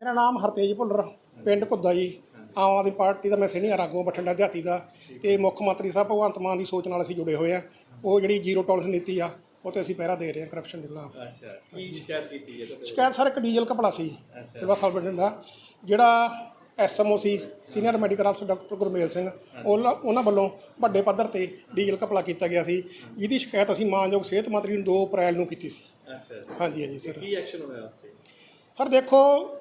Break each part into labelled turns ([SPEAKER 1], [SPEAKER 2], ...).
[SPEAKER 1] मेरा नाम हरतेज भुल्लर पिंड घुद्दा जी। आम आदमी पार्टी का मैं सीनियर आगू बठिंडा देहाती का। तो मुख मंत्री साहब भगवंत मान की सोच नाल असीं जुड़े हुए हैं। वो जी जीरो टॉलरेंस नीति आ वो तो असीं पहरा दे रहे हैं करप्शन के खिलाफ। शिकायत सर एक डीजल घपला सी सिविल हस्पताल बठिंडा। जिहड़ा SMO सी सीनियर मैਡੀਕਲ अफसर डॉक्टर गुरमेल सिंह उन्होंने वालों वड्डे पद्धर ते डीजल घपला किया गया सी, जिहदी शिकायत असीं मानयोग सेहत मंत्री नूं 2 अप्रैल नूं कीती सी। हाँ जी सर। सर देखो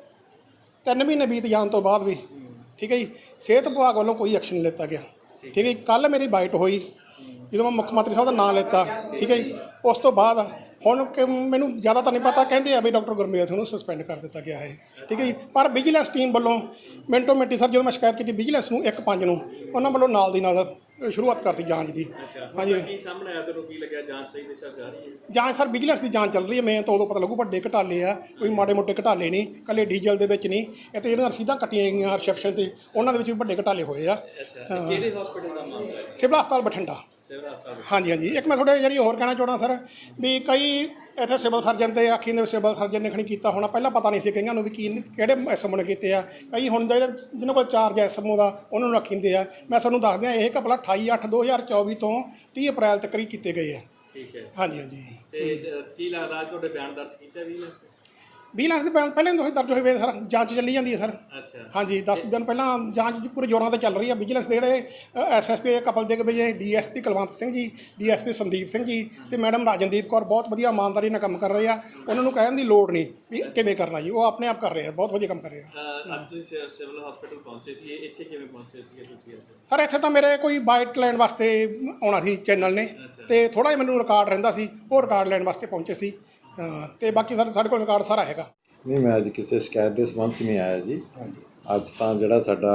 [SPEAKER 1] 3 महीने बीत जाने तो बाद भी ठीक है जी सेहत विभाग वालों कोई एक्शन नहीं लिता गया। ठीक है जी कल मेरी बाइट हुई जो मैं मुख्य मंत्री साहब का नाम लेता ठीक है जी उस तो बाद ਹੁਣ ਕਿ ਮੈਨੂੰ ਜ਼ਿਆਦਾ ਤਾਂ ਨਹੀਂ ਪਤਾ ਕਹਿੰਦੇ ਆ ਵੀ ਡਾਕਟਰ ਗੁਰਮੇਲ ਸਿੰਘ ਨੂੰ ਸਸਪੈਂਡ ਕਰ ਦਿੱਤਾ ਗਿਆ ਹੈ ਠੀਕ ਹੈ ਜੀ। ਪਰ ਵਿਜੀਲੈਂਸ ਟੀਮ ਵੱਲੋਂ ਮਿੰਟੋ ਮਿੰਟੀ ਸਰ ਜਦੋਂ ਮੈਂ ਸ਼ਿਕਾਇਤ ਕੀਤੀ ਵਿਜੀਲੈਂਸ ਨੂੰ 1/5 ਨੂੰ ਉਹਨਾਂ ਵੱਲੋਂ ਨਾਲ ਦੀ ਨਾਲ ਸ਼ੁਰੂਆਤ ਕਰਤੀ ਜਾਂਚ ਦੀ। ਹਾਂਜੀ
[SPEAKER 2] ਕੀ ਸਾਹਮਣੇ ਆਇਆ ਤੁਹਾਨੂੰ ਕੀ ਲੱਗਿਆ ਜਾਂਚ ਸਹੀ ਦਿਸ਼ਾ ਜਾ ਰਹੀ ਹੈ?
[SPEAKER 1] ਜਾਂਚ ਸਰ ਵਿਜੀਲੈਂਸ ਦੀ ਜਾਂਚ ਚੱਲ ਰਹੀ ਹੈ। ਮੈਂ ਤਾਂ ਉਦੋਂ ਪਤਾ ਲੱਗੂ ਵੱਡੇ ਘਟਾਲੇ ਆ ਕੋਈ ਮਾੜੇ ਮੋਟੇ ਘਟਾਲੇ ਨਹੀਂ ਕੱਲੇ ਡੀਜ਼ਲ ਦੇ ਵਿੱਚ ਨਹੀਂ ਇਹ ਤਾਂ ਜਿਹੜੀਆਂ ਰਸੀਦਾਂ ਕੱਟੀਆਂ ਗਈਆਂ ਰਿਸੈਪਸ਼ਨ ਤੇ ਉਹਨਾਂ ਦੇ ਵਿੱਚ ਵੀ ਵੱਡੇ ਘਟਾਲੇ ਹੋਏ ਆ।
[SPEAKER 2] ਕਿਹੜੇ ਹਸਪੀਟਲ ਦਾ ਮਾਮਲਾ ਹੈ?
[SPEAKER 1] ਸਿਵਲ ਹਸਪਤਾਲ ਬਠਿੰਡਾ। ਹਾਂਜੀ ਹਾਂਜੀ ਇੱਕ ਮੈਂ ਥੋੜ੍ਹਾ ਜਿਹੜੀ ਹੋਰ ਕਹਿਣਾ ਚਾਹੁੰਦਾ ਸਰ ਵੀ ਕਈ ਇੱਥੇ ਸਿਵਲ ਸਰਜਨ ਤੇ ਆਖੀ ਨੇ ਸਿਵਲ ਸਰਜਨ ਨੇ ਖਣੀ ਕੀਤਾ ਹੋਣਾ ਪਹਿਲਾਂ ਪਤਾ ਨਹੀਂ ਸੀ ਕਈਆਂ ਨੂੰ ਵੀ ਕੀ ਕਿਹੜੇ SMO ਨੇ ਕੀਤੇ ਆ। ਕਈ ਹੁਣ ਜਿਹੜੇ ਜਿਹਨਾਂ ਕੋਲ ਚਾਰਜ SMO ਦਾ ਉਹਨਾਂ ਨੂੰ ਆਖੀਂਦੇ ਆ। ਮੈਂ ਤੁਹਾਨੂੰ ਦੱਸ ਦਿਆਂ ਇਹ ਘਪਲਾ 28/8/2024 ਤੋਂ 30 ਅਪ੍ਰੈਲ ਤੱਕ ਹੀ ਕੀਤੇ ਗਏ ਆ।
[SPEAKER 2] ਠੀਕ ਹੈ
[SPEAKER 1] ਹਾਂਜੀ ਹਾਂਜੀ।
[SPEAKER 2] ਤੇ ਕੀ ਲੱਗਦਾ ਤੁਹਾਡੇ ਬਿਆਨ ਦਰਜ ਕੀਤਾ ਵੀ
[SPEAKER 1] 20 ਲੱਖ ਦੇ ਬਿਆਨ ਪਹਿਲਾਂ ਤੋਂ ਹੀ ਦਰਜ ਹੋਏ ਵੇ ਸਰ ਜਾਂਚ ਚੱਲੀ ਜਾਂਦੀ ਹੈ ਸਰ।
[SPEAKER 2] ਅੱਛਾ
[SPEAKER 1] ਹਾਂਜੀ 10 ਦਿਨ ਪਹਿਲਾਂ ਜਾਂਚ ਪੂਰੇ ਜ਼ੋਰਾਂ 'ਤੇ ਚੱਲ ਰਹੀ ਹੈ। ਵਿਜੀਲੈਂਸ ਦੇ ਜਿਹੜੇ SSP ਕਪਲ ਦੇ ਵਜੇ DSP ਕੁਲਵੰਤ ਸਿੰਘ ਜੀ DSP ਸੰਦੀਪ ਸਿੰਘ ਜੀ ਤੇ ਮੈਡਮ ਰਾਜਨਦੀਪ ਕੌਰ ਬਹੁਤ ਵਧੀਆ ਇਮਾਨਦਾਰੀ ਨਾਲ ਕੰਮ ਕਰ ਰਹੇ ਆ। ਉਹਨਾਂ ਨੂੰ ਕਹਿਣ ਦੀ ਲੋੜ ਨਹੀਂ ਵੀ ਕਿਵੇਂ ਕਰਨਾ ਜੀ ਉਹ ਆਪਣੇ ਆਪ ਕਰ ਰਹੇ ਆ ਬਹੁਤ ਵਧੀਆ ਕੰਮ ਕਰ ਰਹੇ ਆ।
[SPEAKER 2] ਅੱਜ ਤੁਸੀਂ ਸਿਵਲ ਹਸਪੀਟਲ ਪਹੁੰਚੇ ਸੀ ਇੱਥੇ ਕਿਵੇਂ ਪਹੁੰਚੇ ਸੀਗੇ ਤੁਸੀਂ?
[SPEAKER 1] ਸਰ ਇੱਥੇ ਤਾਂ ਮੇਰੇ ਕੋਈ ਬਾਈਟ ਲੈਣ ਵਾਸਤੇ ਆਉਣਾ ਸੀ ਚੈਨਲ ਨੇ ਤੇ ਥੋੜ੍ਹਾ ਜਿਹਾ ਮੈਨੂੰ ਰਿਕਾਰਡ ਰਹਿੰਦਾ ਸੀ ਉਹ ਰਿਕਾਰਡ ਲੈਣ ਵਾਸਤੇ ਪਹੁੰਚੇ ਸੀ। ਤੇ ਬਾਕੀ ਸਾਡੇ ਕੋਲ ਰਿਕਾਰਡ ਸਾਰਾ ਹੈਗਾ।
[SPEAKER 3] ਨਹੀਂ ਮੈਂ ਅੱਜ ਕਿਸੇ ਸ਼ਿਕਾਇਤ ਦੇ ਸੰਬੰਧ 'ਚ ਨਹੀਂ ਆਇਆ ਜੀ। ਅੱਜ ਤਾਂ ਜਿਹੜਾ ਸਾਡਾ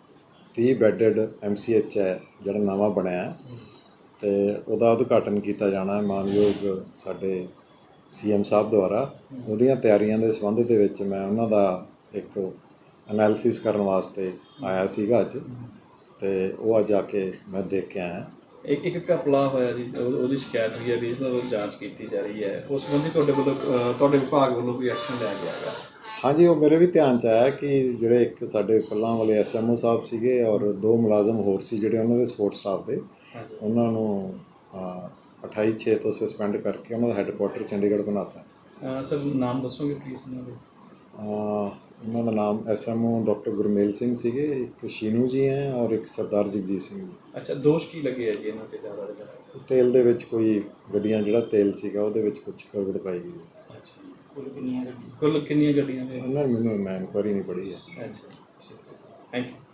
[SPEAKER 3] 30 ਬੈੱਡਡ MCH ਹੈ ਜਿਹੜਾ ਨਵਾਂ ਬਣਿਆ ਅਤੇ ਉਹਦਾ ਉਦਘਾਟਨ ਕੀਤਾ ਜਾਣਾ ਮਾਨਯੋਗ ਸਾਡੇ CM ਸਾਹਿਬ ਦੁਆਰਾ। ਉਹਦੀਆਂ ਤਿਆਰੀਆਂ ਦੇ ਸੰਬੰਧ ਦੇ ਵਿੱਚ ਮੈਂ ਉਹਨਾਂ ਦਾ ਇੱਕ ਐਨਾਲਿਸਿਸ ਕਰਨ ਵਾਸਤੇ ਆਇਆ ਸੀਗਾ ਅੱਜ ਅਤੇ ਉਹ ਅੱਜ ਆ ਕੇ ਮੈਂ ਦੇਖ ਕੇ ਆਇਆ।
[SPEAKER 2] ਇੱਕ ਘਪਲਾ ਹੋਇਆ ਜੀ ਉਹਦੀ ਸ਼ਿਕਾਇਤ ਹੋਈ ਹੈ ਵੀ ਇਸ ਨਾਲ ਜਾਂਚ ਕੀਤੀ ਜਾ ਰਹੀ ਹੈ ਉਸ ਸੰਬੰਧੀ ਤੁਹਾਡੇ ਵੱਲੋਂ ਤੁਹਾਡੇ ਵਿਭਾਗ ਵੱਲੋਂ ਕੋਈ ਐਕਸ਼ਨ ਲਿਆ ਗਿਆ ਹੈਗਾ?
[SPEAKER 3] ਹਾਂਜੀ ਉਹ ਮੇਰੇ ਵੀ ਧਿਆਨ 'ਚ ਆਇਆ ਕਿ ਜਿਹੜੇ ਇੱਕ ਸਾਡੇ ਪਹਿਲਾਂ ਵਾਲੇ SMO ਸਾਹਿਬ ਸੀਗੇ ਔਰ 2 ਮੁਲਾਜ਼ਮ ਹੋਰ ਸੀ ਜਿਹੜੇ ਉਹਨਾਂ ਦੇ ਸਪੋਰਟ ਸਟਾਫ ਦੇ ਉਹਨਾਂ ਨੂੰ 28/6 ਤੋਂ ਸਸਪੈਂਡ ਕਰਕੇ ਉਹਨਾਂ ਦਾ ਹੈੱਡਕੁਆਟਰ ਚੰਡੀਗੜ੍ਹ ਬਣਾਤਾ।
[SPEAKER 2] ਸਰ ਨਾਮ ਦੱਸੋਗੇ ਪਲੀਜ਼ ਉਹਨਾਂ ਦੇ?
[SPEAKER 3] ਉਹਨਾਂ ਦਾ ਨਾਮ SMO ਡਾਕਟਰ ਗੁਰਮੇਲ ਸਿੰਘ ਸੀਗੇ, ਇੱਕ ਸ਼ੀਨੂ ਜੀ ਹੈ ਔਰ ਇੱਕ ਸਰਦਾਰ ਜਗਜੀਤ ਸਿੰਘ ਜੀ।
[SPEAKER 2] ਅੱਛਾ ਦੋਸ਼ ਕੀ ਲੱਗੇ ਹੈ ਜੀ ਇਹਨਾਂ 'ਤੇ ਜ਼ਿਆਦਾ?
[SPEAKER 3] ਤੇਲ ਦੇ ਵਿੱਚ ਕੋਈ ਗੱਡੀਆਂ ਜਿਹੜਾ ਤੇਲ ਸੀਗਾ ਉਹਦੇ ਵਿੱਚ ਕੁਝ ਗੜਬੜ ਪਾਈ ਗਈ।
[SPEAKER 2] ਅੱਛਾ ਕੁੱਲ ਕਿੰਨੀਆਂ ਗੱਡੀਆਂ ਨੇ?
[SPEAKER 3] ਉਹਨਾਂ ਨੇ ਮੈਨੂੰ ਮੈਂ ਇਨਕੁਆਇਰੀ ਨਹੀਂ ਪੜ੍ਹੀ ਹੈ।
[SPEAKER 2] ਅੱਛਾ ਥੈਂਕ ਯੂ।